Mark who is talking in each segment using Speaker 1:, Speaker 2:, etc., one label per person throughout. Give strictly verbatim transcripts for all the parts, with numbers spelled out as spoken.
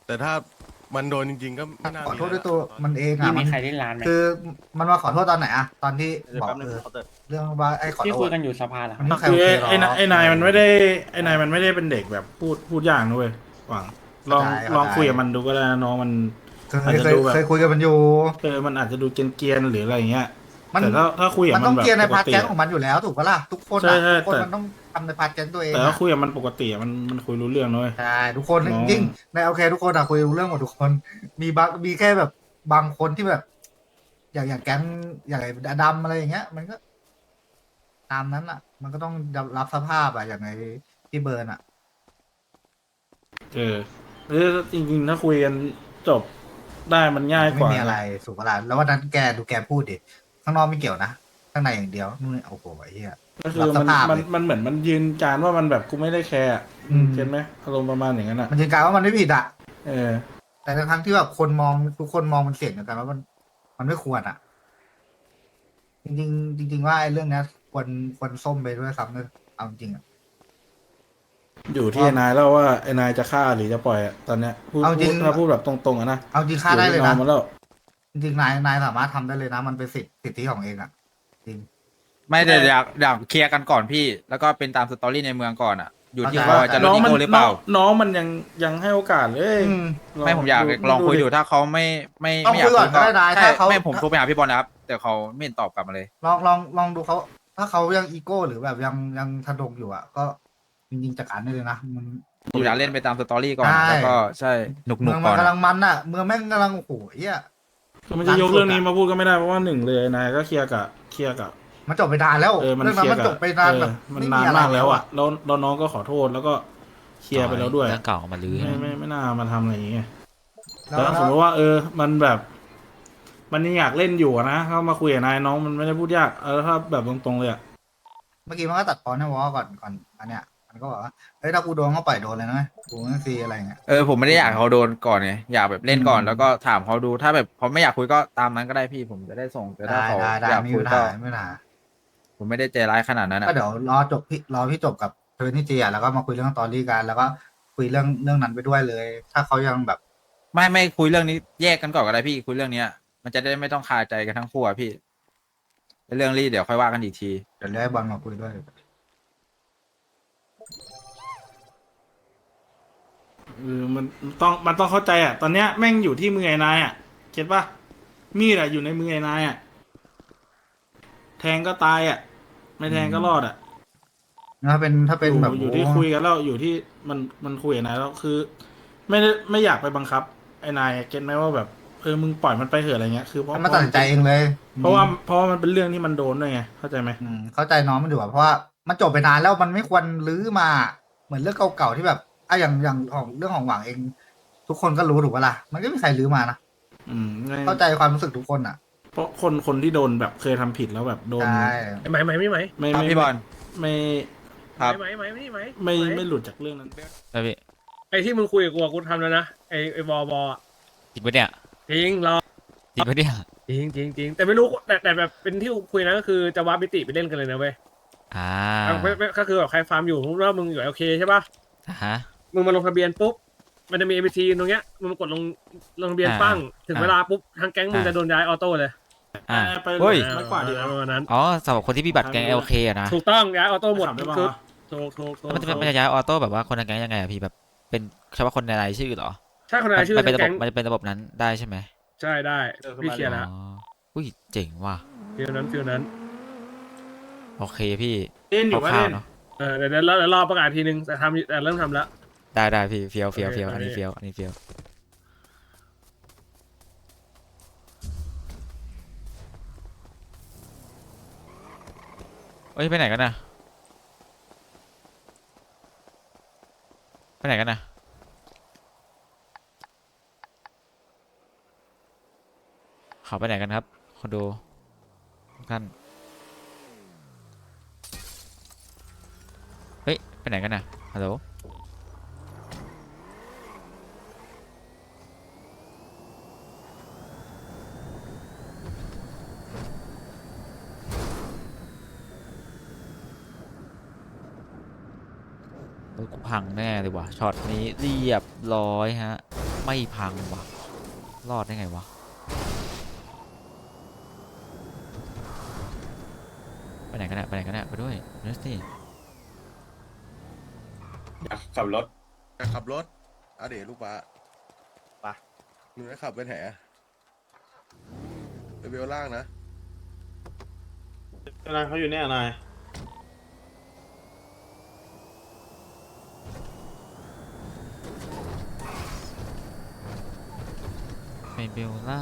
Speaker 1: แต่ถ้ามันโดนจริงๆก็ไม่น่า
Speaker 2: ขอ
Speaker 1: มี
Speaker 2: โทษด้วย
Speaker 1: อะไร
Speaker 2: ตัว
Speaker 1: หรอก
Speaker 2: มันเอง
Speaker 3: พี่
Speaker 2: อ่ะ
Speaker 3: มี
Speaker 2: มัน
Speaker 3: ใครเล่นร้านไหม
Speaker 2: คือมันมาขอโทษตอนไหนอะตอนที่
Speaker 4: เดี๋ยว
Speaker 2: บอก
Speaker 4: แป๊บนึ
Speaker 2: เอง อ
Speaker 4: เขาเติร์ด
Speaker 2: เรื่องว่าไอ้ขอ
Speaker 3: ที่
Speaker 2: โท
Speaker 3: คุย
Speaker 2: ษ
Speaker 3: กันอยู่สภาเหรอ
Speaker 2: มันไม่ใคร
Speaker 5: คือ
Speaker 2: โอเค
Speaker 5: ไอ้
Speaker 2: หรอก
Speaker 5: ไอ้นายไอ้นายมันไม่ได้ไอ้นายมันไม่ได้เป็นเด็กแบบพูดพูดยากนะเว้ยหวังลอง
Speaker 2: เข้าใจ
Speaker 5: ลอง
Speaker 2: เข้าใจ
Speaker 5: คุยกับมันดูก็ได้นะน้องมัน
Speaker 2: เค
Speaker 5: อาจ
Speaker 2: ย
Speaker 5: จะ
Speaker 2: เคย
Speaker 5: ดูแบบ
Speaker 2: เคยคุยกันมันอยู่
Speaker 5: เออมันอาจจะดูเกรียนๆหรืออะไรอย่างเงี้ย
Speaker 2: มัน
Speaker 5: แต่ถ้าถ้าคุยกับ
Speaker 2: มัน
Speaker 5: มั
Speaker 2: ต้อน ง
Speaker 5: แบบ
Speaker 2: เกียร์ใน
Speaker 5: ปก
Speaker 2: พาร์ท
Speaker 5: ติ
Speaker 2: แก๊ง
Speaker 5: อะ
Speaker 2: ของมันอยู่แล้วถูกปะล่ะทุกคน
Speaker 5: ใช่
Speaker 2: อะ
Speaker 5: ใช่
Speaker 2: ทุกคน
Speaker 5: แต่
Speaker 2: มันต้องทำในพาร์ทแก๊งตัวเอง
Speaker 5: แต่ถ้า
Speaker 2: อะ
Speaker 5: คุยกับมันปกติอะมันมันคุยรู้เรื่องนะเว้ย
Speaker 2: ใช่ทุกคน
Speaker 5: น้อง
Speaker 2: จริงๆในโอเคทุกคนอะคุยรู้เรื่องหมดทุกคนมีบางมีแค่แบบบางคนที่แบบ อย่างอย่างแก๊งอย่างไอ้ดำอะไรอย่างเงี้ย มันก็ ตามนั้นอะมันก็ต้องรับสภาพอะอย่างไอ้พี่เบิร์นอะ
Speaker 5: เออเออจริงๆถ้าคุยกันจบได้มันง่ายก
Speaker 2: ไม่
Speaker 5: ว่า
Speaker 2: มีอะไรสุภาพแล้ววันนั้นแกดูแกพูดดิข้างนอกไม่เกี่ยวนะข้างในอย่างเดียวนู่นโอ้โหไอ้เหี้ย
Speaker 5: ก็คือ
Speaker 2: รับส
Speaker 5: มัน
Speaker 2: ภาพ
Speaker 5: มัน
Speaker 2: เลย
Speaker 5: มันเหมือนมันยืนการว่ามันแบบกูไม่ได้แคร์อะ
Speaker 2: อืม
Speaker 5: เห็นไหมอารมณ์ประมาณอย่างนั้นอ่ะ
Speaker 2: มันยืนการว่ามันไม่ผิดอะ
Speaker 5: เออ
Speaker 2: แต่ทั้งที่แบบคนมองทุกคนมองมันเสี่ยงเหมือนกันว่ามันมันไม่ควรอะจริงๆจริง ๆ ว่าไอ้เรื่องเนี้ยควรควรส้มไปด้วยซ้ำเลยเอาจริงอะ
Speaker 5: อยู่ที่ไอ้นายแล้วว่าไอ้นายจะฆ่าหรือจะปล่อยอะตอนเนี้ยพูด
Speaker 2: เอาจริง
Speaker 5: พูดถ้าพูดแบบตรงๆอะนะ
Speaker 2: เอาจริงฆ่าได้เลย
Speaker 5: อ
Speaker 2: นะ
Speaker 5: ที่องมาแล้ว
Speaker 2: จริงๆนายนายสามารถทำได้เลยนะ มันเป็นสิทธิสิทธิของเองอะจริง
Speaker 4: ไม่แต่อยากอยากเคลียร์กันก่อนพี่ แล้วก็เป็นตามสตอรี่ในเมืองก่อนอ่ะ อยู่ที่
Speaker 2: เข้าใจ
Speaker 4: ว่าจะล
Speaker 5: น้
Speaker 4: ด
Speaker 5: อง
Speaker 4: อี
Speaker 5: มัน
Speaker 4: โก้หรือเปล่า
Speaker 5: น้องน้องมันยังยังให้โอกาสเลย
Speaker 2: อืม
Speaker 5: ลง
Speaker 4: ไม่ผมอยากลองคุยดูถ้าเขาไม่ไม่
Speaker 2: ลอง
Speaker 4: ไม่อยาก
Speaker 2: คุยก่อนก็ได้นะ
Speaker 4: ใช่
Speaker 2: ถ้าเขา
Speaker 4: ไม่ผมโทรไปหาพี่บอลนะครับ แต่เขาไม่เห็นตอบกลับมาเลย
Speaker 2: ลองลองลองดูเขาถ้าเขายังอีโก้หรือแบบยังยังทะดงอยู่อ่ะ ก็จริงๆจัดการได้เลยนะมัน
Speaker 4: ผมอยากเล่นไปตามสตอรี่ก่อน
Speaker 2: ใช่
Speaker 4: แล้วก็ใช่หนุกหนุ
Speaker 2: เมื
Speaker 4: ก
Speaker 2: อง
Speaker 4: ก่
Speaker 2: มั
Speaker 4: อน น
Speaker 2: กำลั
Speaker 4: อะ
Speaker 2: งมันอ่ะเมืองแม่งกำลังโอ้โหเหี้ย
Speaker 5: คือมันจะยกเรื่องนี้มาพูดก็ไม่ได้เพราะว่าหนึ่งเลยนายก็เคลียร์กับเคลียร์กับ
Speaker 2: มันจบไปนานแล้ว
Speaker 5: เออมัน
Speaker 2: เรื่อง
Speaker 5: เค
Speaker 2: นั้น
Speaker 5: ลียร์
Speaker 2: มัน
Speaker 5: กับ
Speaker 2: จบไปนาน
Speaker 5: เออ
Speaker 2: แบบ
Speaker 5: มัน
Speaker 2: ไม่
Speaker 5: นาน
Speaker 2: อะไร
Speaker 5: มากแล้วอ่ะแล้วแล้วน้องก็ขอโทษแล้วก็เคลียร์ไปแล้วด้วย
Speaker 6: เรื่องเก่าเอามาลื้อ
Speaker 5: ไม่ไม่ไม่น่ามาทำอะไรอย่างเงี้ย
Speaker 2: แล้
Speaker 5: แต่
Speaker 2: ว
Speaker 5: ถ้าสมมติว่า เออ มันแบบ มันยังอยากเล่นอยู่อะนะเข้ามาคุยกับนายน้องมันไม่ได้พูดยากเออถ้าแบบตรงๆเลยอะ
Speaker 2: เมื่อกี้มันก็ตัดตอนให้วอก่อนก่อนอันเนี้ยมันก็บอกว่าเฮ้ยถ้ากูโดนเขาปล่อยโดนเลยนะกูไม่ฟรีอะไรเงี้ย
Speaker 4: เออผมไม่ได้อยากให้เขาโดนก่อนไงอยากแบบเล่นก่อน
Speaker 2: อืม
Speaker 4: แล้วก็ถามเขาดูถ้าแบบเขาไม่อยากคุยก็ตามนั้นก็ได้พี่ผมจะได้ส่งแต่ถ้า
Speaker 2: ได้
Speaker 4: เขา
Speaker 2: ได้ได้
Speaker 4: อยาก
Speaker 2: ไม่
Speaker 4: คุ
Speaker 2: มี
Speaker 4: ย
Speaker 2: ปัญ
Speaker 4: ก็
Speaker 2: หาไม่มีปัญหา
Speaker 4: ผมไม่ได้ใจร้ายขนาดนั้น
Speaker 2: ก็
Speaker 4: อ่ะ
Speaker 2: เดี๋ยวรอจบพี่รอพี่จบกับเทอร์นี่จีอ่ะแล้วก็มาคุยเรื่องตอรี่กันแล้วก็คุยเรื่องเรื่องนั้นไปด้วยเลย ถ้าเขายังแบบ
Speaker 4: ไม่ไม่คุยเรื่องนี้แยกกันก่อนก็ได้พี่คุยเรื่องเนี้ย มันจะได้ไม่ต้องคาใจกันทั้งคู่อะพี่เรื่องรีเดี๋ยวค่อยว่ากันอีกที
Speaker 2: เดี๋ยวเรียกให้บอลมาคุยด้วย
Speaker 5: เออมันต้องมันต้องเข้าใจอะตอนเนี้ยแม่งอยู่ที่มือไอ้นายอะเก็ตปะมีดอะอยู่ในมือไอ้นายอะแทงก็ตายอะไม่แทงก็รอดอะ
Speaker 2: ถ้าเป็นถ้าเป็น
Speaker 5: อยู่
Speaker 2: แบบ
Speaker 5: อยู่ที่คุยกันแล้วอยู่ที่มันมันคุยกับนายแล้วคือ ไม่ได้ไม่อยากไปบังคับ ไอ้นายเก็ตไหมว่าแบบเออมึงปล่อยมันไปเถอะอะไรเงี้ยคือเพราะ
Speaker 2: ให้มันตัดสินใจเองเลย
Speaker 5: เพราะว่าเพราะว่ามันเป็นเรื่องที่มันโดนด้วยไงเข้าใจไหม
Speaker 2: อืมเข้าใจน้องมันอยู่อะเพราะว่ามันจบไปนานแล้วมันไม่ควรลื้อมาเหมือนเรื่องเก่าๆที่แบบอ่ะอย่างอย่างของเรื่องของหวังเอง ทุกคนก็รู้ถูกปะล่ะมันก็ไม่มีใครลื้อมานะ
Speaker 5: อืมไม่
Speaker 2: เข้าใจความรู้สึกทุกคนอ่ะ
Speaker 5: เพราะคนคนที่โดนแบบเคยทำผิดแล้วแบบโดน
Speaker 2: ใช่
Speaker 3: ไหมไหมไม่ไหม
Speaker 5: ไม่
Speaker 4: ครับ
Speaker 5: ไม่
Speaker 4: พี่บอล
Speaker 5: ไม่
Speaker 4: ครับ
Speaker 3: ไหมไหมไม่ไหม
Speaker 5: ไม่ไม่หลุดจากเรื่องนั้น
Speaker 6: แล้วพี่
Speaker 3: ไอ้ที่มึงคุยกับกูอะกูทำแล้วนะไอ้ไอ้บอบอะ
Speaker 6: จริงปะเนี่ย
Speaker 3: จริงรอ
Speaker 6: จริงปะเนี่ย
Speaker 3: จริงจริงจริงแต่ไม่รู้แต่แต่แบบเป็นที่คุยนะก็คือจะวาร์ปมิติไปเล่นกันเลยนะเว้ย
Speaker 6: อ่า
Speaker 3: ไม่ไม่ก็คือแบบใครฟาร์มอยู่มึงว่ามึงอยู่โอเคใช่ปะ
Speaker 6: อ่าฮะ
Speaker 3: มึงมาลงทะเบียนปุ๊บมันจะมี เอ็ม บี ที ตรงเนี้ยมึงกดลงลงทะเบียน
Speaker 6: อ่า
Speaker 3: ปั้งถึง
Speaker 6: อ่า
Speaker 3: เวลาปุ๊บทางแก๊งมึง
Speaker 6: อ่า
Speaker 3: จะโดนย้ายออโต้เลย
Speaker 6: อ่า
Speaker 5: ไป
Speaker 6: เฮ้ย
Speaker 5: ไม่กว่าดี
Speaker 3: ประมาณนั้น
Speaker 6: อ๋อสำหรับคนที่มีบัตรแก๊งเอลเคอะนะ
Speaker 3: ถูกต้องย้ายออโต้หมด
Speaker 5: ขับได้ปะ
Speaker 3: คือ
Speaker 5: วะ
Speaker 3: ถูกถูกถูก
Speaker 6: แล้วมันจะเป็นมันจะย้ายออโต้แบบว่าคนในแก๊งยังไงอะพี่แบบเป็นเฉพาะคนในรายชื่อเหรอ
Speaker 3: ใช่คนไหนชื่อ
Speaker 6: มันเป็น
Speaker 3: ทาง
Speaker 6: ระบบ
Speaker 3: แก๊ง
Speaker 6: มันจะเป็นระบบนั้นได้ใช่ไหม
Speaker 3: ใช่ได้พี่เคลียร์แล้ว
Speaker 6: อ๋ออุ้ยเจ๋งว่ะ
Speaker 3: ฟิลนั้นฟิลนั้น
Speaker 6: โอเคพี่
Speaker 5: เล่นอยู่
Speaker 6: ค
Speaker 5: ว่า
Speaker 6: ร่า
Speaker 5: เล่
Speaker 6: วน ๆเนาะ
Speaker 3: เออเดี๋ยวเดี๋ยวรอเดี๋ยวรอประกาศทีนึงแต่ทำแต่เริ่มทำแล้ว
Speaker 6: ได้ได้พี่เฟียวเฟียว
Speaker 3: โอเค
Speaker 6: เฟียวอันนี้
Speaker 3: โอเค
Speaker 6: เฟียวอันนี้เฟียวเอ้ยไปไหนกันนะไปไหนกันนะเขาไปไหนกันครับคนดูทุกท่านเฮ้ยไปไหนกันนะฮัลโหลรถกูพังแน่เลยว่ะช็อตนี้เรียบร้อยฮะไม่พังวะรอดได้ไงวะไปไหนกันเนี่ยไปไหนกันเนี่ยไปด้วยเนสตี้
Speaker 7: ขับรถ
Speaker 1: จะขับรถเอาเดี๋ยวลูกป้า
Speaker 7: ไป
Speaker 1: หนูจะขับไปไหนอะไปเบลล่างนะ
Speaker 7: นายเขาอยู่เนี่ยนาย
Speaker 6: ไปเบลล่า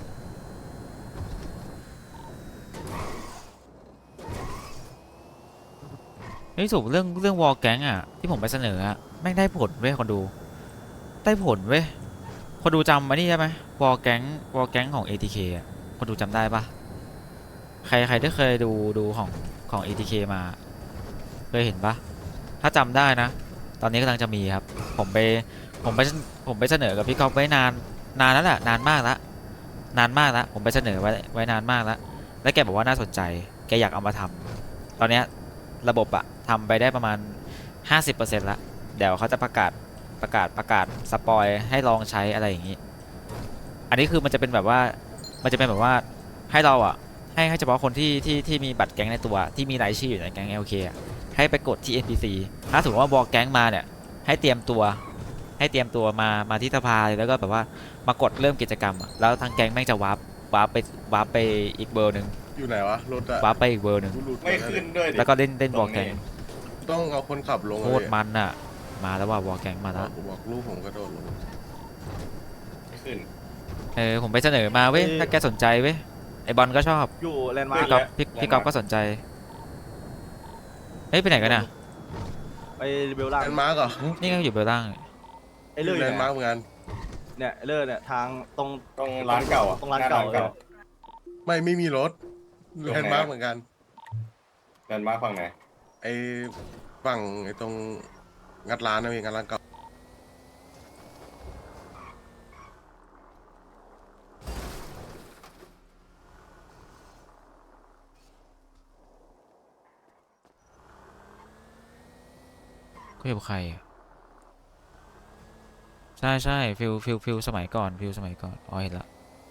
Speaker 6: เฮ้ยสรุปเรื่องเรื่องวอลแก๊งอ่ะที่ผมไปเสนออ่ะแม่งได้ผลเว้ยคนดูได้ผลเว้ยคนดูจำมานี่ใช่ไหมวอลแก๊งวอลแก๊งของ เอ ที เค อ่ะคนดูจำได้ปะใครใครที่เคยดูดูของของ เอ ที เค มาเคยเห็นปะถ้าจำได้นะ ตอนนี้กำลังจะมีครับผมไปผมไปผมไปเสนอกับพี่ก๊อฟไว้นานนานแล้วแหละนานมากแล้วนานมากแล้วผมไปเสนอไว้ไว้นานมากแล้วแล้วแกบอกว่าน่าสนใจแกอยากเอามาทำตอนเนี้ยระบบอะทำไปได้ประมาณ ห้าสิบเปอร์เซ็นต์ ละเดี๋ยวเขาจะประกาศประกาศประกาศสปอยให้ลองใช้อะไรอย่างนี้อันนี้คือมันจะเป็นแบบว่ามันจะเป็นแบบว่าให้เราอะให้ให้เฉพาะคนที่ที่ที่มีบัตรแก๊งในตัวที่มีรายชื่ออยู่ในแก๊ง แอล เค อะให้ไปกดที่ เอ็น พี ซี ถ้าสมมติว่าบอกแก๊งมาเนี่ยให้เตรียมตัวให้เตรียมตัวมามาที่สภาเลยแล้วก็แบบว่ามากดเริ่มกิจกรรมอะแล้วทางแก๊งแม่งจะวาร์ปวาร์ปไปวาร์ปไปอีกเบอร์หนึ่ง
Speaker 1: อยู่ไหนวะรถอะ
Speaker 6: วาร์ปไปอีกเบอร์หนึ่ง
Speaker 1: กูหลุด
Speaker 7: ไม่ขึ้นด้วยดิ
Speaker 6: แล้วก็เล่นเล่นบอกแก๊ง
Speaker 1: ต้องเอาคนขับลง
Speaker 6: โคตรมันอะมาแล้วว่าวอลแก๊งมาแล้ว
Speaker 1: ผมบอกลูกผมกระโดดลง
Speaker 7: ไม่ขึ้น
Speaker 6: เออผมไปเสนอมาเว้ย
Speaker 7: เอ้ย
Speaker 6: ถ้าแกสนใจเว้ยไอบอลก็ชอบ
Speaker 7: อยู่แลนด์มาร์
Speaker 6: พี่
Speaker 7: ค
Speaker 6: ก๊อฟพี่พี่ก๊อฟก็สนใจเฮ้ยไปไหนกันน่ะ
Speaker 8: ไปเบลล่าง
Speaker 1: แลนด์มาร์กเหรอ
Speaker 6: นี่ก็อยู่เบลล่าง
Speaker 8: ไอ้เลื่อย
Speaker 1: แล
Speaker 8: เนี่ย
Speaker 1: นด์มาร์กเหมือนกัน
Speaker 8: เนี่ยไอ้เลื่อยเนี่ยทางตรง
Speaker 7: ตรงร้านเก่าอ่ะ
Speaker 8: ตรงร้านเก่า
Speaker 7: ห
Speaker 8: เลย
Speaker 1: ไม่ไม่มีรถ
Speaker 7: ตรง
Speaker 1: แล
Speaker 7: ไหน
Speaker 1: นด์มาร์กเหมือนกัน
Speaker 7: แลนด์มาร์คฝั่งไหน
Speaker 1: ไอ้ฝั่งไอ้ตรงงัดร้านนะพี่งัดร้านเก่า
Speaker 6: ก็อยู่กับใครอะใช่ใช่ฟิลฟิลฟิลสมัยก่อนฟิลสมัยก่อนอ๋อเห็นละ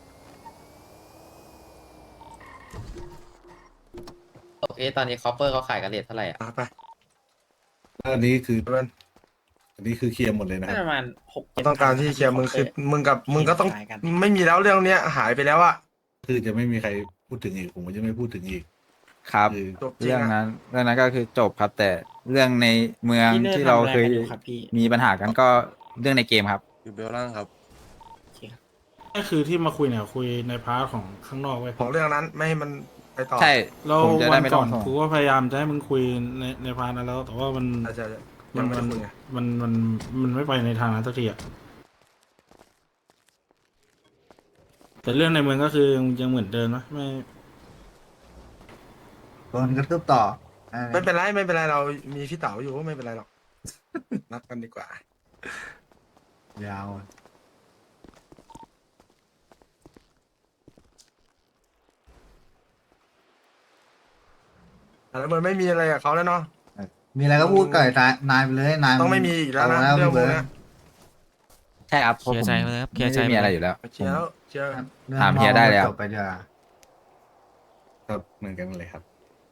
Speaker 9: โอเค ตอนนี้คอปเปอร์เขาขายกันเรทเท่าไหร่อ่ะ
Speaker 1: ไป
Speaker 10: อันนี้คืออันนี้คือเคลียร์หมดเลยนะครับ
Speaker 9: ประมาณหก
Speaker 11: ต้องการที่เคลียร์มึงคือมึงกับมึงก็ต้องไม่มีแล้วเรื่องเนี้ยหายไปแล้วอะ
Speaker 10: คือจะไม่มีใครพูดถึงอีกผมก็จะไม่พูดถึงอีก
Speaker 4: ครับ
Speaker 10: คือ
Speaker 11: จบจริง
Speaker 4: เรื่อง
Speaker 11: อะ
Speaker 4: นั้นเรื่องนั้นก็คือจบครับ แต่เรื่องในเมืองที่เราเคยมีปัญหากันก็เรื่องในเกมครับ
Speaker 1: อยู่เบลล่างครับ
Speaker 5: ก็คือที่มาคุยเนี่ยคุยในพาร์ทของข้างนอกไว้ย
Speaker 11: ของเรื่องนั้นไม่ให้มันไปต่อ
Speaker 4: ใช่
Speaker 5: แล้ว
Speaker 4: ผมจะ
Speaker 5: วั
Speaker 4: ได้
Speaker 5: น
Speaker 4: ไม่
Speaker 5: ก่
Speaker 4: ต้อ
Speaker 5: อง น
Speaker 4: ส่ง
Speaker 5: กูก็พยายามจะให้มึงคุยในในพาร์ทนั้นแล้ว แต่ว่ามัน
Speaker 11: ใช่ใช่ใช่
Speaker 5: มั
Speaker 11: ยัง
Speaker 5: น
Speaker 11: ไม่
Speaker 5: มัน
Speaker 11: ได้คุยไง
Speaker 5: มันมันมันไม่ไปในทางนั้นสักทีอะแต่เรื่องในเมืองก็คือยังยังเหมือนเดิมนะไม่
Speaker 2: โดนกระทืบต่อเออ
Speaker 11: ไม่เป็นไรไม่เป็นไรเรามีพี่เต๋าอยู่ก็ไม่เป็นไรหรอก นัดกันดีกว่า
Speaker 2: ยาวอะ
Speaker 11: แล้วมันไม่มีอะไรกับเขาแล้วเนาะ
Speaker 2: มีอะไรก็พูดกับไอ้นายนายไปเลยนาย
Speaker 11: ต้องไม่มีอีกแล้วนะ
Speaker 2: โต
Speaker 11: เรื่องพวก
Speaker 2: พี่
Speaker 11: เนี้ย
Speaker 4: ใช่ครับ
Speaker 6: เคลียร์ใจมาเลยครับเคลียร์ใจ
Speaker 4: ไม่มี
Speaker 6: มา
Speaker 4: อะไร
Speaker 6: เลย
Speaker 4: อยู่แล้ว
Speaker 11: เชียร์แล้วเชียร์
Speaker 2: รื่อง
Speaker 4: ถามเฮียได้แล้ว
Speaker 2: จบไปเถอะ
Speaker 10: ครับเหมือนกันเลยครับ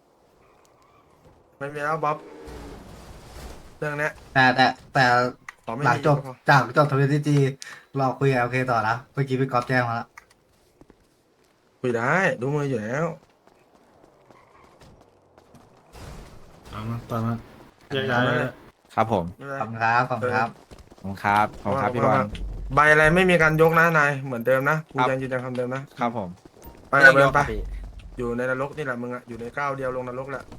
Speaker 11: ไม่มีแล้วบ๊อบเรื่องเนี้ย
Speaker 2: แต่แต่แต่
Speaker 11: ต่อไม่
Speaker 2: หลัง
Speaker 11: มี
Speaker 2: จบ
Speaker 11: ก็พอ
Speaker 2: จากจบทวิตจีเราคุยกับโอเคต่อนะเมื่อกี้พี่ก๊อฟแจ้งมาแล้ว
Speaker 11: คุยได้ดูมืออยู่แล้ว
Speaker 5: ตามนั้นตามนั้นแยกย้ายเลย
Speaker 4: ครับผม
Speaker 11: ไม่เป็นไร
Speaker 2: ขอบคุณครับขอบคุณครับ
Speaker 4: ขอบคุณครับขอบคุณครับพี่บอล
Speaker 11: ใบอะไรไม่มีการยกนะนายเหมือนเดิมนะกู
Speaker 4: ครับ
Speaker 11: ยังยืนยันคำเดิมนะครับ
Speaker 4: ผม
Speaker 11: ไปเอาเดินไปอยู่ในนรกนี่แหละมึงอะอยู่ในก้าวเดียวลงนรกแหละ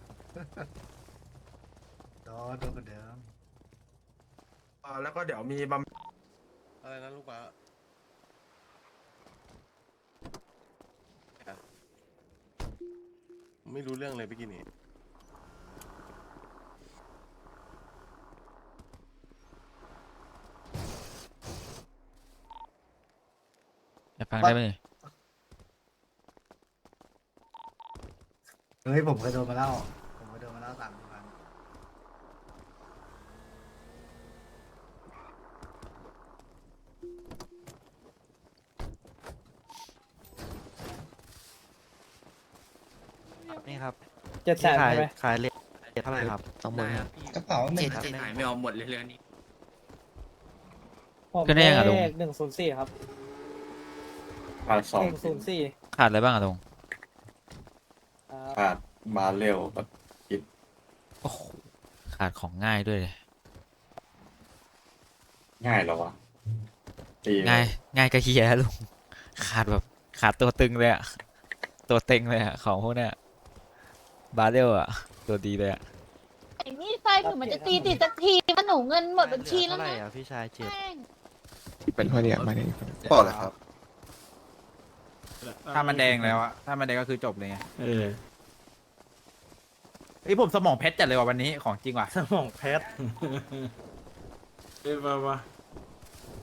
Speaker 2: โดนโดนเหมือนเดิม
Speaker 11: อ่าแล้วก็เดี๋ยวมีบำ
Speaker 1: อะไรนะลูกป้าไม่รู้เรื่องเลยเมื่อกี้นี้
Speaker 6: อยากฟังได้ไหมเนี่ย
Speaker 2: เฮ้ยผมเคยโดนมาแล้วผมเคยโดนมาแล้วสามพัน
Speaker 8: ครับ
Speaker 3: เจ็ดแสน
Speaker 8: ขาย
Speaker 3: ใช่ไหม
Speaker 8: ขายเลทเท่าไหร่ครับ
Speaker 9: สองหมื่นครับ
Speaker 2: กระเป๋าหนึ่ง
Speaker 9: เจ็ดหายไม่เอาหมดเลยเรื่องนี้
Speaker 6: ก็ได้ยังอะลุง
Speaker 3: หนึ่งศูนย์สี่ครับ
Speaker 7: ขาดสอง
Speaker 3: หนึ่งศูนย์สี่
Speaker 6: ขาดอะไรบ้างอะลุง
Speaker 7: ขาดบาเรลกับ
Speaker 6: โอ้โหขาดของง่ายด้วยเลย
Speaker 7: ง่ายเหรอวะตีเลย
Speaker 6: ง่ายง่ายกระเฮียลุงขาดแบบขาดตัวตึงเลยอะตัวเต็งเลยอะของพวกเนี้ยบาเรลอะตัวดีเลยอะ
Speaker 12: ไอ้นี่ไฟถึงมันจะตีติดสักทีมันหนูเงินหมดบัญชีแล้ว
Speaker 8: เท่าไหร่
Speaker 12: นะ
Speaker 8: อ่ะพี่ชายเจ็ด
Speaker 12: แม่ง
Speaker 11: เป็นพอดีมาเนี่ย
Speaker 10: ปอดเลยครับ
Speaker 4: ถ้ามันแดงแล้วอะถ้ามันแดงก็คือจบเลยไง
Speaker 5: เออ
Speaker 4: ไอยผมสมองเพชรจัดเลยว่ะวันนี้ของจริงว่ะ
Speaker 5: สมองแพทเอ้ยมามา